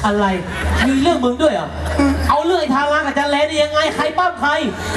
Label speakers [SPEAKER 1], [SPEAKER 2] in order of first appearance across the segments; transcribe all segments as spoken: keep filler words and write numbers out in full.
[SPEAKER 1] อะไรมีเรื่องมึงด้วยเหรอเอาเรื่องไอ้ทารากับจันแลนี่ยังไงใครปั้มใคร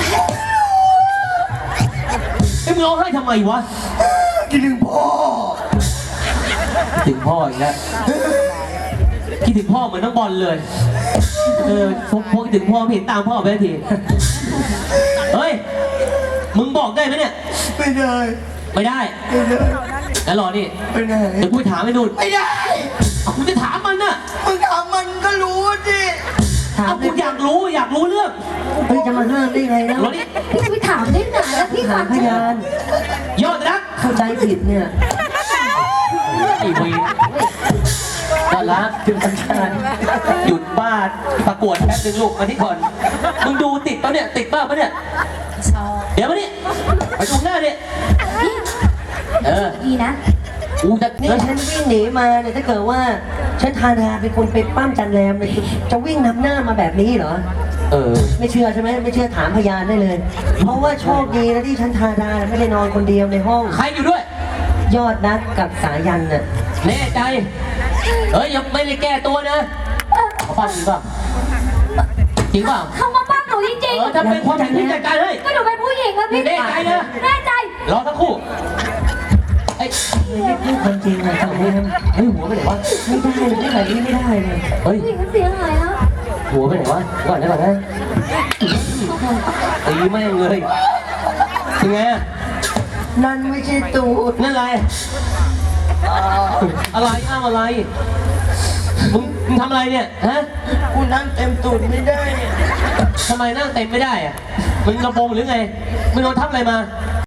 [SPEAKER 1] ไอ้มึงร้องไห้ทำไมวะ
[SPEAKER 2] คิดถึงพ่อ
[SPEAKER 1] ถึงพ่ออีกแล้วคิดถึงพ่อเหมือนน้องบอลเลยเออพวกพวกถึงพ่อไม่เห็นตามพ่อไปทีเฮ้ยมึงบอกได้ไหมเนี่ย
[SPEAKER 2] ไม่ได้
[SPEAKER 1] ไม่ได้
[SPEAKER 2] ไม่ได้
[SPEAKER 1] แล้วรอนี่
[SPEAKER 2] ไม่ได้
[SPEAKER 1] เดี๋ยวกูถามไอ้นุ่น
[SPEAKER 2] ไม่ได้
[SPEAKER 1] เอากูจะถามมันน่ะ
[SPEAKER 2] มึงถามมันก็รู้ดิ
[SPEAKER 1] เอากูอยากรู้อยากรู้เรื่อง
[SPEAKER 3] เฮ้ยจะมาห้ามได้ไงนะ
[SPEAKER 1] รอนี่
[SPEAKER 4] พี่จะไปถามได้ไงแล้วพี่
[SPEAKER 3] ถา
[SPEAKER 4] ฟั
[SPEAKER 3] ม
[SPEAKER 4] ง
[SPEAKER 3] พยาน
[SPEAKER 1] ยอดรัก
[SPEAKER 3] เข้าใจผิดเนี่ย
[SPEAKER 1] ไอ้วียอดรัก
[SPEAKER 3] ถึงสัญชาติ
[SPEAKER 1] หยุดบ้าประกวดแป๊บนึงลูกมาที่ก่อนมึงดูติดปะเนี่ยติดบ้าปะเนี่ย
[SPEAKER 4] ชอบ
[SPEAKER 1] เดี๋ยวมานี่ไปดูหน้าดิเออ
[SPEAKER 4] ดีนะ
[SPEAKER 1] กูจะ
[SPEAKER 3] นี่ฉันวิ่งหนีมาเนี่ยถ้าเกิดว่าฉันทาดาเป็นคนไปปั้มจันแรมเนี่ยจะวิ่งนำหน้ามาแบบนี้เหรอ
[SPEAKER 1] เออ
[SPEAKER 3] ไม่เชื่อใช่ไหมไม่เชื่อถามพยานได้เลย เพราะว่าโชคดีนะที่ฉันทาดาไม่ได้นอนคนเดียวในห้อง
[SPEAKER 1] ใครอยู่ด้วย
[SPEAKER 3] ยอดนักกับสายันน่ะ
[SPEAKER 1] แน่ใจเฮ้ยยังไม่ได้แก้ตัวนะเขาปั้มจริงเปล่าจริงเปล่า
[SPEAKER 4] เขามาปั้มหนูจริง
[SPEAKER 1] เออถ้าเป็นความจริงพี่จัดการให้
[SPEAKER 4] ๆก็หนูเป็นผู้หญิงอะพี่
[SPEAKER 1] แน่ใจนะ
[SPEAKER 4] แน่ใจ
[SPEAKER 1] รอสักครู่ไอ้
[SPEAKER 3] ไม่พูดความจริงนะทำไมทำ
[SPEAKER 1] เฮ้ยหัวไปไหนวะ
[SPEAKER 3] ไม่ได้เลยไม่แบบนี้ไม่ได้เลย
[SPEAKER 1] เฮ้ย
[SPEAKER 4] ผู้หญิงเสียหายแล้ว
[SPEAKER 1] หัวไปไหนวะก่อนนะก่อนนะตีแม่งเลยยังไงอะ
[SPEAKER 3] นั่นไม่ใช่ตูด
[SPEAKER 1] นั่นอะไรอะไรอ้าวอะไรมึงมึงทำอะไรเนี่ยฮะ
[SPEAKER 2] กูนั่งเต็มตูดไม่ได้
[SPEAKER 1] ทำไมนั่งเต็มไม่ได้อะมึงกระโปรงหรือไงมึงโดนทับอะไรมา